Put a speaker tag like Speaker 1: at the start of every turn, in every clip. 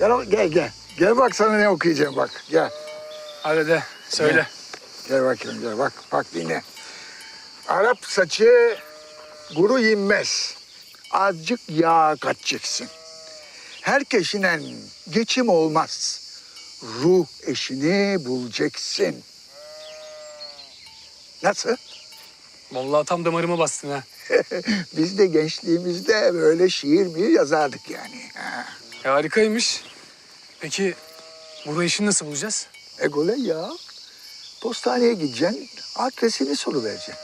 Speaker 1: Gel. Gel bak sana ne okuyacağım bak. Gel.
Speaker 2: Hadi de söyle.
Speaker 1: Gel bakayım gel bak dinle. Arap saçı kuru inmez. Azıcık yağ katacaksın. Herkesine geçim olmaz. Ruh eşini bulacaksın. Nasıl?
Speaker 2: Vallahi tam damarıma bastın ha.
Speaker 1: Biz de gençliğimizde böyle şiir mi yazardık yani. Ha.
Speaker 2: Harikaymış. Peki burada işini nasıl bulacağız?
Speaker 1: Egole ya. Postaneye gideceksin, adresini soruvereceksin.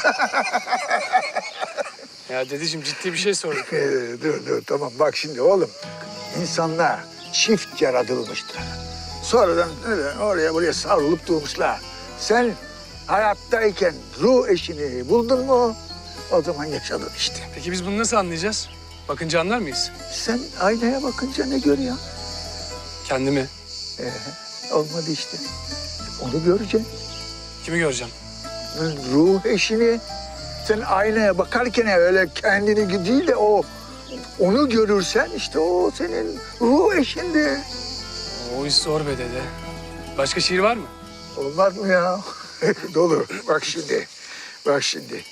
Speaker 2: Ya dedeciğim ciddi bir şey sorduk.
Speaker 1: Dur tamam bak şimdi oğlum. İnsanlar çift yaratılmıştır. Sonradan oraya buraya savrulup durmuşlar. Sen hayattayken ruh eşini buldun mu o zaman yaşadın işte.
Speaker 2: Peki biz bunu nasıl anlayacağız? Bakınca anlar mıyız?
Speaker 1: Sen aynaya bakınca ne görüyorsun?
Speaker 2: Kendimi.
Speaker 1: Olmadı işte. Onu göreceksin.
Speaker 2: Kimi göreceğim?
Speaker 1: Ruh eşini. Sen aynaya bakarken öyle kendini değil de onu görürsen işte o senin ruh eşindi.
Speaker 2: O iş zor be dede. Başka şiir var mı?
Speaker 1: Olmaz mı ya? Dolu. Bak şimdi.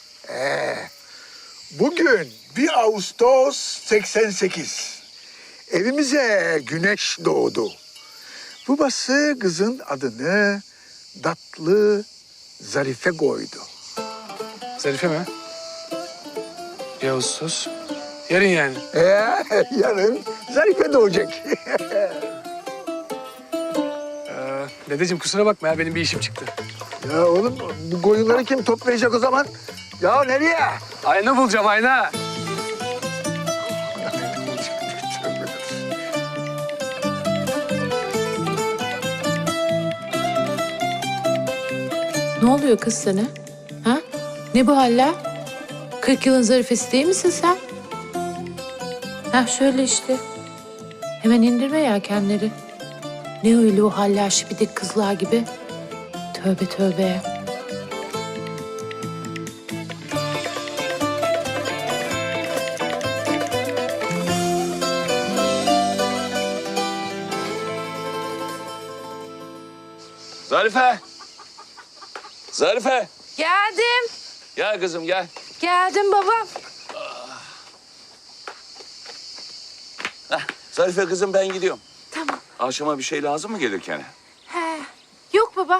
Speaker 1: Bugün 1 Ağustos 88. Evimize güneş doğdu. Babası kızın adını tatlı Zarife koydu.
Speaker 2: Zarife mi? 1 Ağustos. Yarın yani.
Speaker 1: Yarın Zarife doğacak.
Speaker 2: Dedeciğim kusura bakma ya benim bir işim çıktı.
Speaker 1: Ya oğlum bu koyunları kim toplayacak o zaman? Ya nereye?
Speaker 2: Ayna bulacağım ayna.
Speaker 3: Ne oluyor kız sana? Ha? Ne bu haller? 40 yılın zarifesi değil misin sen? Ha şöyle işte. Hemen indirme yelkenleri. Ne öyle o haller şipidik kızlar gibi? Tövbe.
Speaker 4: Zarife.
Speaker 5: Geldim.
Speaker 4: Gel kızım gel.
Speaker 5: Geldim babam.
Speaker 4: Zarife kızım ben gidiyorum.
Speaker 5: Tamam.
Speaker 4: Akşama bir şey lazım mı gelirken?
Speaker 5: He. Yok baba.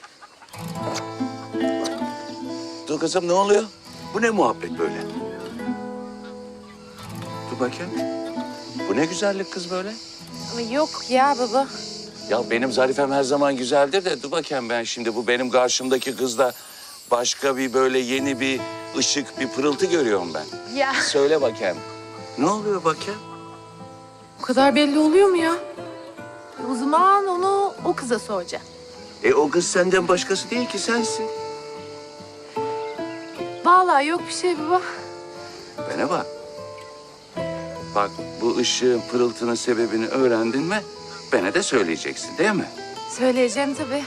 Speaker 4: Dur kızım ne oluyor? Bu ne muhabbet böyle? Dur bakayım. Bu ne güzellik kız böyle?
Speaker 5: Ama yok ya baba.
Speaker 4: Ya benim Zarifem her zaman güzeldir de dur bakayım ben şimdi bu benim karşımdaki kızda başka bir böyle yeni bir ışık, bir pırıltı görüyorum ben.
Speaker 5: Ya.
Speaker 4: Söyle bakayım. Ne oluyor bakayım?
Speaker 3: Bu kadar belli oluyor mu ya? O zaman onu o kıza soracağım.
Speaker 4: O kız senden başkası değil ki sensin.
Speaker 3: Vallahi yok bir şey baba.
Speaker 4: Bana bak. Bak bu ışığın, pırıltının sebebini öğrendin mi? Bana de söyleyeceksin değil mi?
Speaker 3: Söyleyeceğim tabii.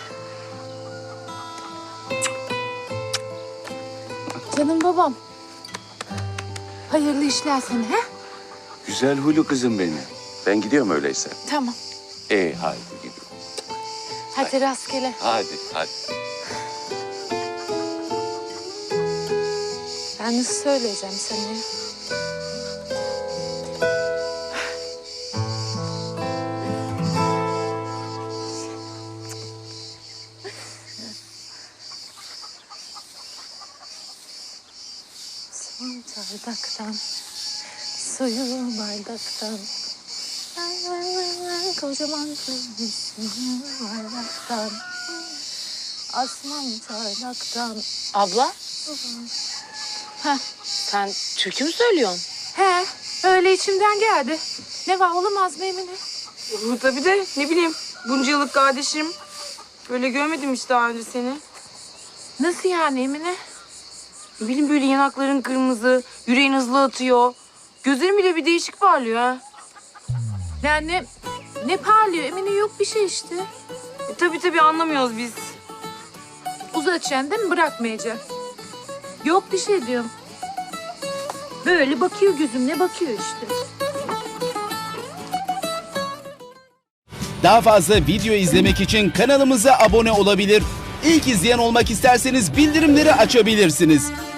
Speaker 3: Canım babam. Hayırlı işler sana he?
Speaker 4: Güzel huylu kızım benim. Ben gidiyorum öyleyse.
Speaker 3: Tamam.
Speaker 4: Hadi gidiyorum.
Speaker 3: Hadi rastgele.
Speaker 4: Hadi.
Speaker 3: Ben nasıl söyleyeceğim sana ya? Son çardaktan, suyu bardaktan. Kocaman kızmışım bardaktan. Asman çardaktan.
Speaker 6: Abla? Sen türkü mü söylüyorsun?
Speaker 3: He, öyle içimden geldi. Ne var olamaz mı Emine?
Speaker 6: Tabii de ne bileyim bunca yıllık kardeşim. Böyle görmedim hiç daha önce seni.
Speaker 3: Nasıl yani Emine?
Speaker 6: Ne bileyim böyle yanakların kırmızı, yüreğin hızlı atıyor. Gözlerin bile bir değişik parlıyor ha.
Speaker 3: Yani ne parlıyor Emine, yok bir şey işte.
Speaker 6: Tabii anlamıyoruz biz.
Speaker 3: Uzatacaksın değil mi, bırakmayacaksın. Yok bir şey diyorum. Böyle bakıyor gözümle bakıyor işte.
Speaker 7: Daha fazla video izlemek için kanalımıza abone olabilir. İlk izleyen olmak isterseniz bildirimleri açabilirsiniz.